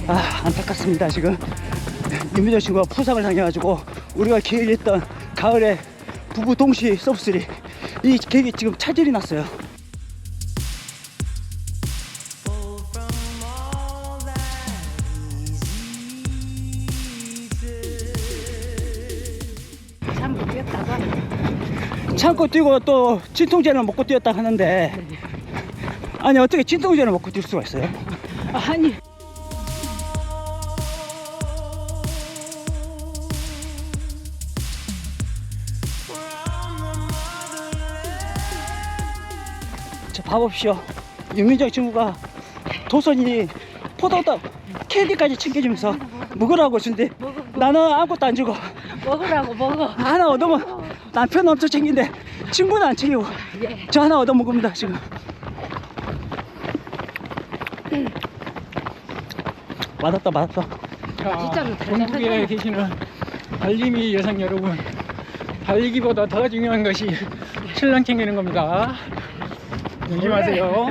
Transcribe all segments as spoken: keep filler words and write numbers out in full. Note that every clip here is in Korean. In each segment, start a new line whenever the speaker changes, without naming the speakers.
아, 안타깝습니다. 지금 윤미정 친구가 부상을 당해가지고 우리가 계획했던 가을에 부부 동시 서브쓰리 이 계획이 지금 차질이 났어요.
참고 뛰었다가
참고 뛰고 또 진통제를 먹고 뛰었다 하는데 아니 어떻게 진통제를 먹고 뛸 수가 있어요?
아니
자, 봐봅시오. 윤민정 친구가 도선이 포도떡 캔디까지 챙겨주면서 먹으라고 준대. 나는 아무것도 안 주고
먹으라고 먹어.
하나 얻어먹 남편은 엄청 챙긴데 친구는 안 챙기고
예.
저 하나 얻어먹습니다 지금. 맞았다 맞았다.
자,
진짜로
전국에
대단하다.
계시는 달리미 여성 여러분, 달리기보다 더 중요한 것이 신랑 챙기는 겁니다. 조심하세요.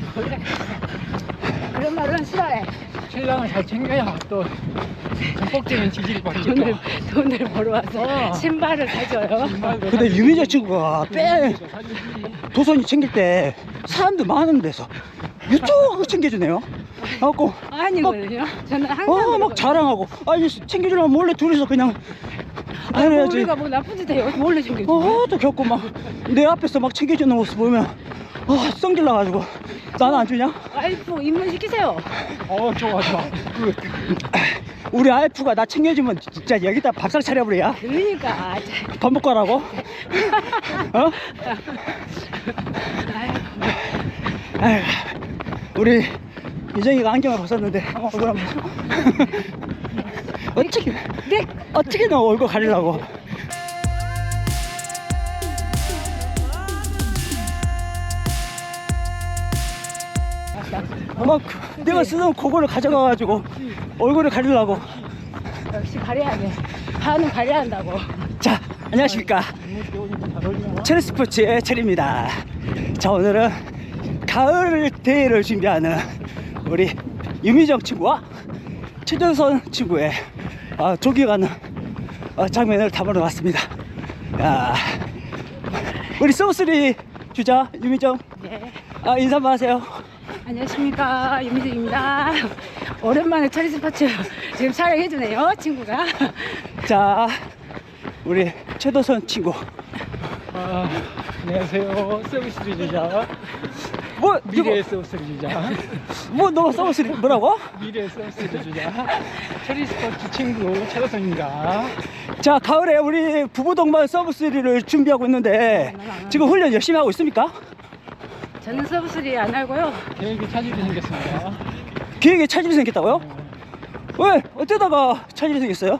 그런 말은 싫어해.
신랑을 잘 챙겨야 또 전폭적인 지지를 받겠죠.
돈을 돈을 벌어 와서
어.
신발을 사줘요.
근데 유민정 친구가 빼 도선이 챙길 때 사람들 많은 데서 유튜브 챙겨주네요. 하고
아니거든요. 저는 항상
어 막 자랑하고 아니 챙겨주려면 몰래 둘이서 그냥 안
아,
해야지.
우리가 뭐 나쁜 짓 해요. 몰래 챙겨줘.
어또 겪고 막 내 앞에서 막 챙겨주는 모습 보면 아 성질 나가지고 나는 안 주냐?
와이프 입문시키세요.
어, 좋아, 좋아. 굿.
우리 와이프가 나 챙겨주면 진짜 여기다 밥상 차려버려야
그러니까 아, 자,
밥 먹고 하라고? 어? 아휴, 우리 유정이가 안경을 벗었는데 어, 그럼 어떻게
네.
어떻게 너 얼굴 가리려고? 막 내가 쓰던 그거를 가져가가지고 얼굴을 가리려고.
역시 가려야 돼. 반은 가려야 한다고.
자, 안녕하십니까. 체리 스포츠의 체리입니다. 자, 오늘은 가을 대회를 준비하는 우리 유미정 친구와 최전선 친구의 아, 조기가는 아, 장면을 담으러 왔습니다. 야, 우리 서브쓰리 주자 유미정,
네.
아, 인사 한번 하세요.
안녕하십니까, 윤미정입니다. 오랜만에 차리 스포츠 지금 촬영해주네요, 친구가.
자, 우리 최도선 친구.
아, 안녕하세요. 서비스 주자.
뭐,
미래의
누구,
서비스 주자.
뭐, 너 서브쓰리 뭐라고?
미래의 서비스 주자. 체리 스포츠 친구 최도선입니다.
자, 가을에 우리 부부 동반 서브쓰리를 준비하고 있는데 지금 훈련 열심히 하고 있습니까?
저는 서브쓰리 안 알고요.
계획이 차질이 생겼습니다.
계획에 차질이 생겼다고요? 왜? 어쩌다가 차질이 생겼어요?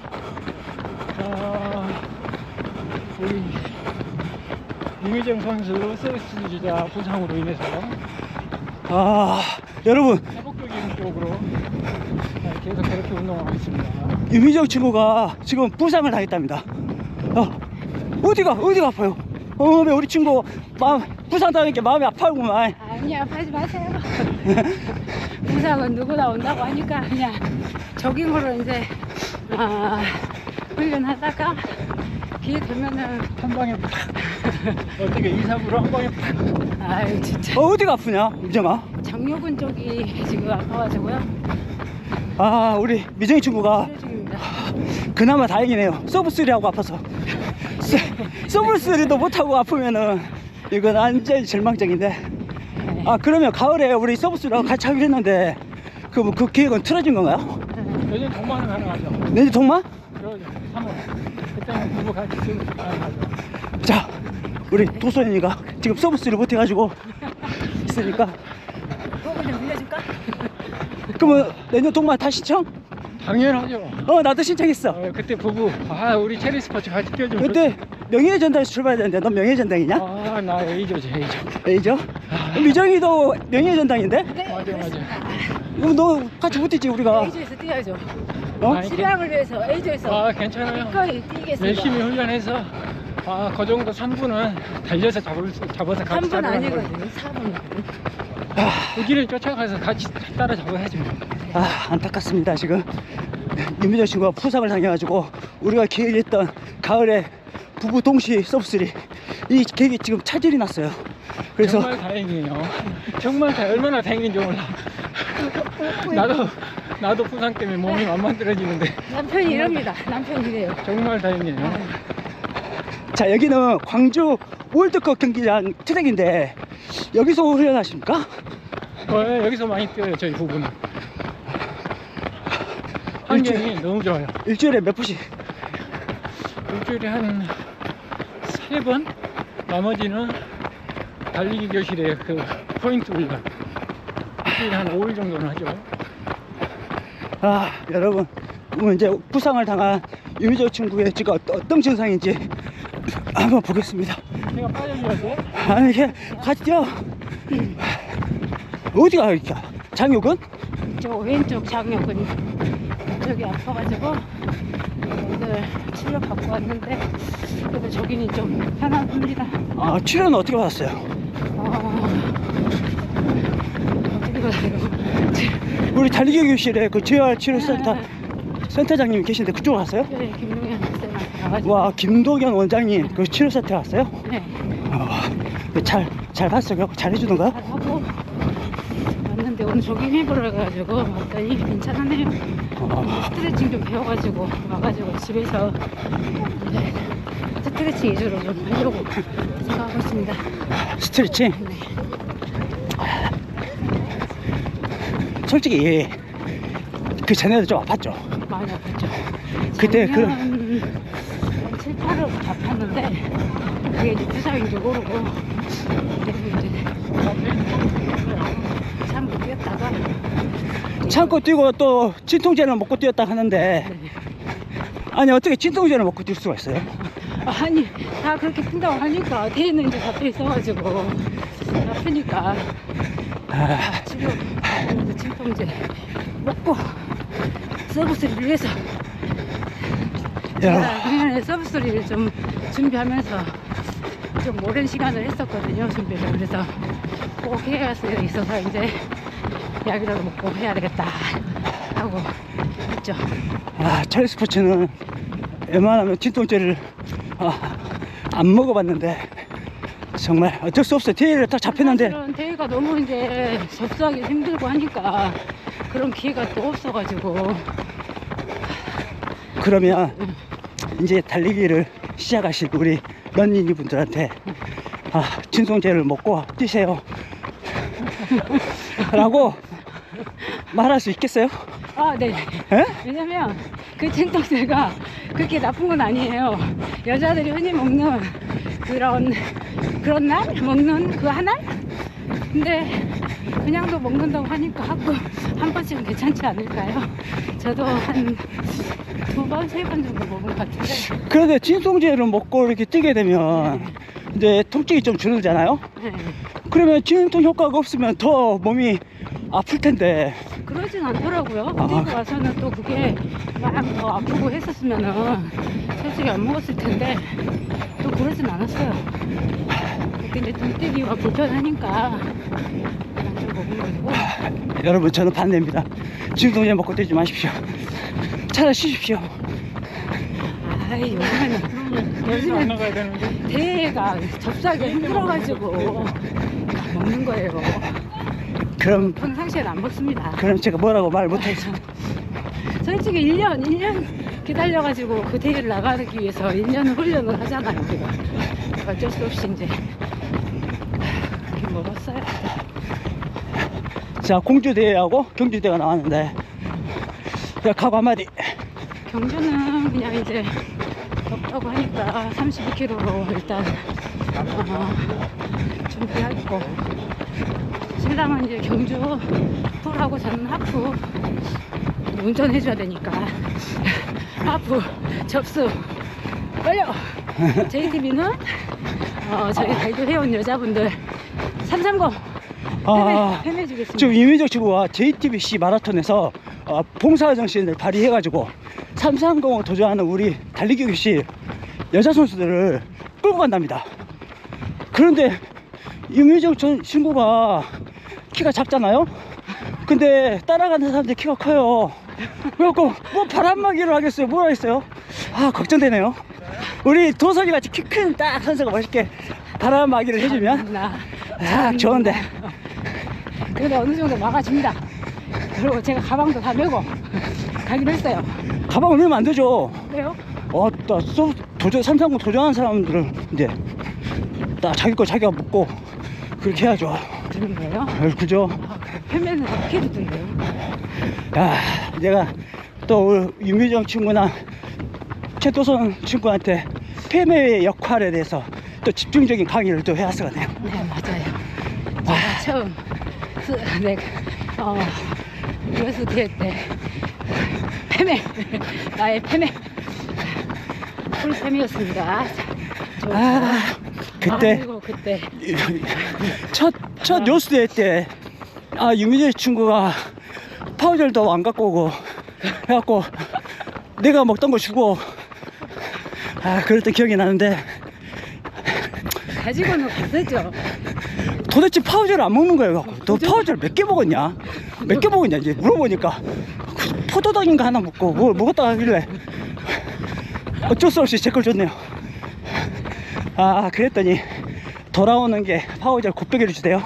아, 우리 유미정 선수 서비스 주자 부상으로 인해서
아, 여러분,
회복적인 쪽으로 계속 그렇게 운동하고 있습니다.
유미정 친구가 지금 부상을 당했답니다. 어, 어디가, 어디가 아파요? 어, 왜 우리 친구 마음, 부상 당하니까 마음이 아파구만.
아니야, 하지 마세요. 부상은 누구나 온다고 하니까 그냥 조깅으로 이제 아, 훈련하다가 기회 되면은
한 방에 팍! 어떻게 이삼으로 한 방에 팍!
아유 진짜
어, 어디가 아프냐, 유정아?
장요근 쪽이 지금 아파가지고요.
아, 우리 미정이 친구가
치료 중입니다.
그나마 다행이네요. 서브쓰리하고 아파서. 서, 서브쓰리도 못하고 아프면은 이건 완전히 절망적인데. 아, 그러면 가을에 우리 서브쓰리하고 같이 하기로 했는데 그, 뭐, 그 계획은 틀어진 건가요?
요즘 동반은 가능하죠.
내년 동만?
그러죠. 삼월. 그때는 부부 같이 쓰면 가능하죠.
자, 우리 도선이가 지금 서브쓰리 못해가지고 있으니까
그거 좀 빌려줄까?
그러면 내년 동만 다 신청?
당연하죠.
어, 나도 신청했어.
어, 그때 부부, 아, 우리 체리 스포츠 같이 뛰어주면
그때 명예전당에서 출발해야 되는데 넌 명예전당이냐?
좋지. 아, 나 A조지, A조.
A죠? 미정이도 명예전당인데?
네,
맞아, 맞아.
그럼 너 같이 못했지 우리가.
A조에서 뛰어야죠.
어?
아니,
신랑을 위해서 A조에서
아, 괜찮아요.
기꺼이 뛰겠습니다.
열심히 훈련해서, 아, 그 정도 삼 분은 달려서 잡을, 수- 잡아서 같이
삼 분
잡으라는
아니거든요. 사 분이거든요.
거예요. 그 길을 쫓아가서 같이 따라잡아야지 뭐.
아, 안타깝습니다. 지금 윤미정 친구가 부상을 당해가지고 우리가 계획했던 가을에 부부 동시 서브쓰리 이 계획이 지금 차질이 났어요. 그래서
정말 다행이에요. 정말 다 얼마나 다행인지 몰라. 나도 나도 부상 때문에 몸이 만만들어지는데
남편이 이럽니다. 남편이 이래요.
정말 다행이에요.
자, 여기는 광주 월드컵 경기장 트랙인데 여기서 훈련하십니까?
어, 여기서 많이 뛰어요 저희 부부는. 환경이 너무 좋아요.
일주일에 몇 분씩?
일주일에 한 세 번, 나머지는 달리기 교실에 그 포인트 훈련. 일주일에 한 오 일 정도는 하죠.
아, 여러분 오늘 이제 부상을 당한 유미정 친구의 지금 어떤, 어떤 증상인지 한번 보겠습니다.
제가 빠져줘야 돼?
아니, 이게 같이 뛰어. 어디가 이렇게 장혁은?
저 왼쪽 장력근이 저기 아파가지고 오늘 치료 받고 왔는데 그래도 저기는 좀 편안합니다.
아, 치료는 어떻게 받았어요?
어... 어떻게 받아요?
우리 달리기 교실에 그 제이알 치료센터 센터장님 계신데 그쪽으로 갔어요?
네, 김동현 쌤한테 가가지고.
와, 김도경 원장님 그 치료센터 갔어요?
네,
어, 잘, 잘 봤어요? 잘 해주던가?
하고 왔는데 오늘 조깅 해보러 가가지고 왔더니 괜찮네요.
어,
스트레칭 좀 배워가지고 와가지고 집에서 이제 스트레칭 위주로 좀 하려고 생각하고 있습니다.
스트레칭?
네.
솔직히 그 전에도 좀 아팠죠?
많이 아팠죠.
그때 그-
작년 칠, 팔월 아팠는데 그게 이제 부상인 줄 모르고 그래서 이제 참고 뛰었다가
참고 뛰고 또 진통제를 먹고 뛰었다 하는데 아니 어떻게 진통제를 먹고 뛸 수가 있어요?
아니 다 그렇게 뛴다고 하니까 뒤에는 이제 잡혀 있어가지고 아프니까
아,
치료 진통제 먹고 서브스리를 위해서
야,
제가 그냥 서브스리를 좀 준비하면서 좀 오랜 시간을 했었거든요 준비를. 그래서 꼭 해야 있어서 이제 약이라도 먹고 해야 되겠다 하고 했죠.
아, 찰리 스포츠는 웬만하면 진통제를 아, 안 먹어봤는데 정말 어쩔 수 없어요. 대회를 딱 잡혔는데
사실은 대회가 너무 이제 접수하기 힘들고 하니까 그런 기회가 또 없어가지고.
그러면 이제 달리기를 시작하실 우리 런닝이 분들한테 아, 진통제를 먹고 뛰세요 라고 말할 수 있겠어요?
아, 네.
에?
왜냐면 그 진통제가 그렇게 나쁜 건 아니에요. 여자들이 흔히 먹는 그런 그런 날 먹는 그 한 알? 근데 그냥도 먹는다고 하니까 하고 한 번씩은 괜찮지 않을까요? 저도 한 두 번, 세 번 정도 먹은 것 같은데.
그런데 진통제를 먹고 이렇게 뛰게 되면 이제 통증이 좀 줄어들잖아요?
네.
그러면 진통 효과가 없으면 더 몸이 아플 텐데
그러진 않더라고요.
아.
뛰고 와서는 또 그게 막 더 아프고 했었으면은 솔직히 안 먹었을 텐데 또 그러진 않았어요. 그때 이제 좀 뛰기가 불편하니까 그냥 좀 먹은 거고.
여러분 저는 반대입니다. 진통제 먹고 뛰지 마십시오. 차라리 쉬십시오.
아이, 요즘에는
안
요즘엔
나가야 되는데.
대회가 접수하기가 힘들어가지고 먹는 거예요.
그럼
평상시에는 안 먹습니다.
그럼 제가 뭐라고 말 못하겠습니다.
솔직히 일 년, 일 년 기다려가지고 그 대회를 나가기 위해서 일 년 훈련을 하잖아요, 우리가. 어쩔 수 없이 이제 그렇게 먹었어요.
자, 공주대회하고 경주대회가 나왔는데 야, 각오 한마디.
경주는 그냥 이제 덥다고 하니까 삼십이 킬로미터로 일단 어, 준비하고, 신랑은 이제 경주 풀하고 저는 하프 운전해줘야 되니까 하프 접수 빨려. 제이티비는 어, 저희 발표해온 여자분들 삼삼공
아,
해내주겠습니다.
지금 이민정 친구가 제이티비씨 마라톤에서 어, 봉사정신을 발휘해가지고 삼삼공을 도전하는 우리 달리기 교실 여자 선수들을 끌고 간답니다. 그런데 이민정 전 친구가 키가 작잖아요. 근데 따라가는 사람들 키가 커요. 그래갖고 뭐 바람막이를 하겠어요, 뭘 하겠어요. 아, 걱정되네요. 우리 도선이 같이 키 큰 딱 선수가 멋있게 바람막이를 해주면
나.
아, 좋은데.
근데 어느 정도 막아줍니다. 그리고 제가 가방도 다 메고 가기로 했어요.
가방을 메면 안 되죠.
그래요?
어, 나 소, 도전, 삼상공 도전하는 사람들은 이제 딱 자기 거 자기가 먹고 그렇게 해야죠.
그런 거예요?
아, 그죠?
아, 편매는 어떻게 주던데요?
야, 내가 또 우리 윤미정 친구나 최도선 친구한테 폐매의 역할에 대해서 또 집중적인 강의를 또 해왔었거든요.
네, 맞아요. 제가 처음 수, 네, 어, 유에스 대회 때 패매, 나의 패매, 풀패매였습니다. 저,
아, 그때
아이고, 그때
첫, 첫 뉴스 대회 때, 아, 윤미정 친구가 파우젤도 안 갖고 오고, 해갖고, 내가 먹던 거 주고, 아, 그랬던 기억이 나는데,
가지고는 갔었죠.
도대체 파우젤을 안 먹는 거예요. 너 파우젤 몇 개 먹었냐? 몇 개 먹었냐? 이제 물어보니까, 그 포도당인가 하나 먹고, 뭘 먹었다 하길래, 어쩔 수 없이 제 걸 줬네요. 아, 그랬더니, 돌아오는 게 파우젤 곱빼기를 주세요.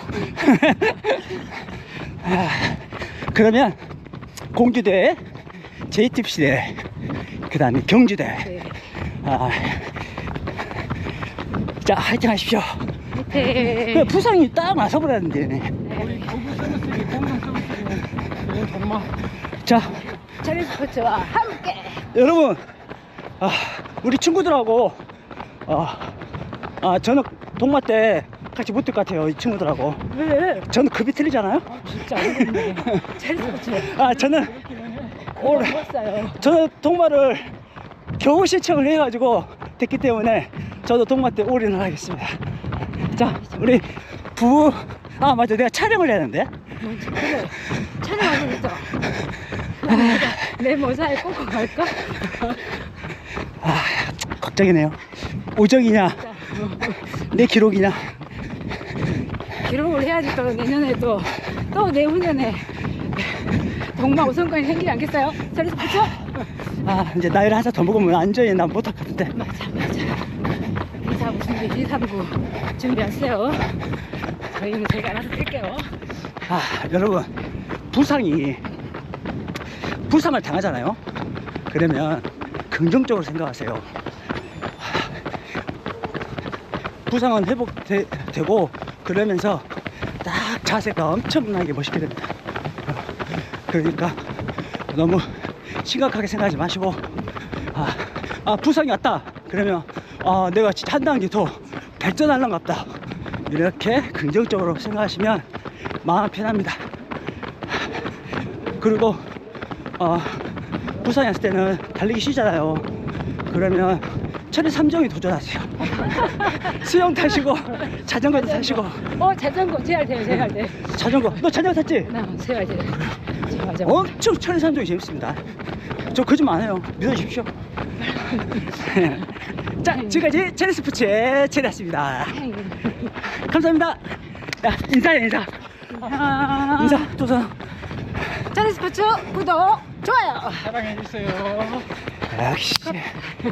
아, 그러면 공주대회, 제이티피씨 대회, 그 다음에 경주대회.
네.
아, 자, 화이팅 하십시오.
밑에
그 부상이 딱 나서버렸는데.
우리 고급 서비스기 공동 서비스기 정말
자,
차례 스포츠와 함께
여러분, 아, 우리 친구들하고, 아, 아, 저는 동마 때 같이 못 뛸 것 같아요, 이 친구들하고.
왜?
저는 급이 틀리잖아요.
진짜 어렵네. 차례 스포츠
아, 저는 올,
먹었어요.
저는 동마를 겨우 신청을 해가지고 됐기 때문에 저도 동마 때 올인을 하겠습니다. 자, 우리 부, 아, 맞아, 내가 촬영을 해야 되는데.
뭔지 그래. 촬영하고 있죠. 내 모자에 꽂고 갈까?
아, 걱정이네요. 오정이냐, 내 기록이냐.
기록을 해야지 또 내년에 또 또 내후년에 동마 우선권이 생기지 않겠어요? 차례 스포츠?
아, 이제 나이를 한 살 더 먹으면 안전히 난 못할 것 같은데.
맞아 맞아. 이사부 준비, 이사부 준비하세요. 저희는 제가 알아서 뛸게요.
아, 여러분, 부상이 부상을 당하잖아요. 그러면 긍정적으로 생각하세요. 부상은 회복되고 그러면서 딱 자세가 엄청나게 멋있게 됩니다. 그러니까 너무 심각하게 생각하지 마시고, 아, 아 부상이 왔다 그러면 아, 내가 진짜 한 단계 더 발전하려는 것 같다, 이렇게 긍정적으로 생각하시면 마음 편합니다. 그리고 어, 부산에 왔을 때는 달리기 쉬잖아요. 그러면 차례 삼 정이 도전하세요. 수영 타시고 자전거도 타시고.
어 자전거 제할 돼요 제할 돼.
자전거, 너 자전거 탔지?
나 제할 돼. 맞아.
엄청 차례 삼 정이 재밌습니다. 저 거짓말 안 해요, 믿어주십시오. 자, 지금까지 차례 스포츠의 차례였습니다. 감사합니다. 야, 인사해, 인사.
안녕.
인사, 조선.
차례 스포츠 구독 좋아요.
사랑해주세요.
역시.